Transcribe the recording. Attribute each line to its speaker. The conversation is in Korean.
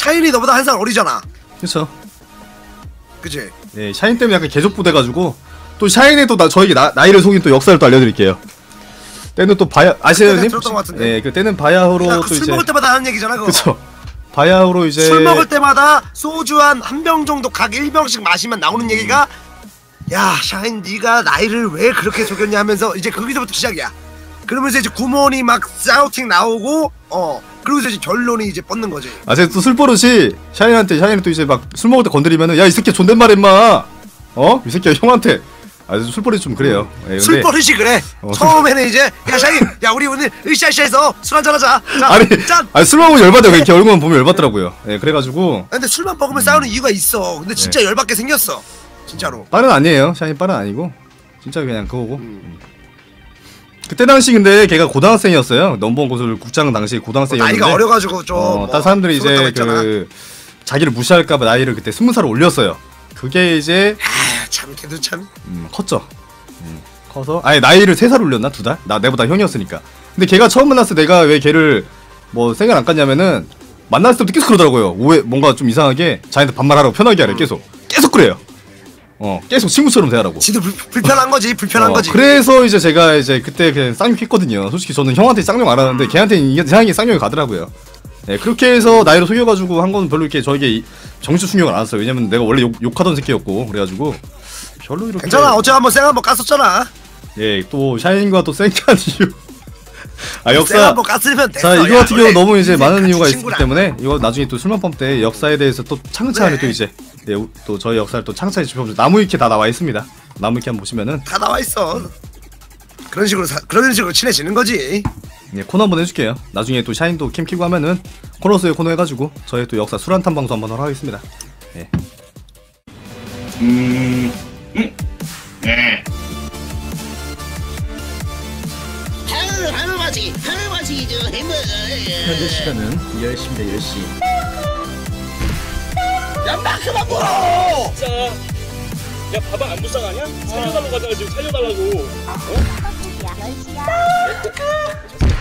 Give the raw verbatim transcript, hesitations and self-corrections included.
Speaker 1: 샤인이 너보다 한 살 어리잖아.
Speaker 2: 그쵸.
Speaker 1: 그치?
Speaker 2: 네, 샤인 때문에 약간 계속 부대가지고 또 샤인의 또 나, 저에게 나, 나이를 속인 또 역사를 또 알려드릴게요. 때는 또 바야 아시아님?
Speaker 1: 들었던 것 같은데.
Speaker 2: 네, 그 때는 바야흐로
Speaker 1: 야,
Speaker 2: 또
Speaker 1: 술
Speaker 2: 이제
Speaker 1: 먹을 때마다 하는 얘기잖아 그거.
Speaker 2: 그쵸. 바야흐로 이제
Speaker 1: 술 먹을 때마다 소주 한 한 병 정도 각 일 병씩 마시면 나오는 얘기가 야 샤인 네가 나이를 왜 그렇게 속였냐 하면서 이제 거기서부터 시작이야. 그러면서 이제 구몬이 막 사우팅 나오고 어 그러고서 이제 결론이 이제 뻗는 거지.
Speaker 2: 아 제가 또 술버릇이 샤인한테 샤인이 또 이제 막 술 먹을 때 건드리면은 야 이 새끼 존댓말 임마 어? 이 새끼야 형한테 아 술버릇이 좀 그래요. 예, 근데...
Speaker 1: 술버릇이 그래. 어, 처음에는 이제 야 샤인 야 우리 오늘 으쌰으쌰해서 술 한잔 하자. 자,
Speaker 2: 아니
Speaker 1: 짠.
Speaker 2: 아니 술 먹으면 열받아요. 이렇게 얼굴만 보면 열받더라고요. 예 그래가지고
Speaker 1: 근데 술만 먹으면 음. 싸우는 이유가 있어. 근데 진짜 네. 열받게 생겼어. 진짜로.
Speaker 2: 빠른 아니에요. 샤인 빠른 아니고 진짜 그냥 그거고. 음. 그때 당시 근데 걔가 고등학생이었어요. 넘버원 고수를 국장 당시 고등학생이었는데
Speaker 1: 나이가 어려가지고 좀.
Speaker 2: 어,
Speaker 1: 뭐,
Speaker 2: 다른 사람들이 이제 그 자기를 무시할까봐 나이를 그때 스무 살을 올렸어요. 그게 이제
Speaker 1: 아, 참 걔도 참.
Speaker 2: 음, 컸죠. 음, 커서 아니 나이를 세 살 올렸나 두 달? 나 내보다 형이었으니까. 근데 걔가 처음 만났을 때 내가 왜 걔를 뭐 생각 안 깠냐면은 만났을 때부터 계속 그러더라고요. 오해 뭔가 좀 이상하게 자기한테 반말하라고 편하게 하래. 계속 계속 그래요. 어 계속 친구처럼 대하라고.
Speaker 1: 지도 불, 불편한 거지 불편한
Speaker 2: 어,
Speaker 1: 거지.
Speaker 2: 그래서 이제 제가 이제 그때 그냥 쌍욕했거든요. 솔직히 저는 형한테 쌍욕 안 하는데 걔한테는 이상하게 쌍욕이 가더라고요. 네 그렇게 해서 나이를 속여가지고 한 건 별로 이렇게 저에게 정신 충격을 안 왔어요. 왜냐면 내가 원래 욕, 욕하던 새끼였고 그래가지고 별로 이렇게.
Speaker 1: 괜찮아 어제 한번 쌩 한번 깠었잖아.
Speaker 2: 예 또 샤인과 또 쌩깐 이유. 아 역사.
Speaker 1: 쌩 한번 깠으면 됐어.
Speaker 2: 자 이거
Speaker 1: 야,
Speaker 2: 같은 경우 너무 이제 많은
Speaker 1: 같이
Speaker 2: 이유가 있기
Speaker 1: 친구랑.
Speaker 2: 때문에 이거 나중에 또 술만밤 때 역사에 대해서 또 차근차근히
Speaker 1: 네.
Speaker 2: 또 이제 예, 또 저희 역사를 또 창차히 짚어보죠. 나무위키 다 나와 있습니다. 나무위키 한번 보시면은
Speaker 1: 다 나와 있어. 그런 식으로 사, 그런 식으로 친해지는 거지.
Speaker 2: 예, 코너 한번 해줄게요. 나중에 또 샤인도 캠 키고 하면은 코너스의 코너 해가지고 저희 또 역사 술 한탄 방송 한번 하러 하겠습니다. 예.
Speaker 3: 음, 음, 네.
Speaker 4: 하루 하루 마시기 하루 마시기죠 햄버거.
Speaker 5: 현재 시간은 열 시입니다. 열 시.
Speaker 1: 야, 나 그만 물어!
Speaker 6: 진짜. 야, 바방 안 불쌍하냐? 살려달라고 하잖아, 지금 살려달라고. 어?
Speaker 7: 열 시야.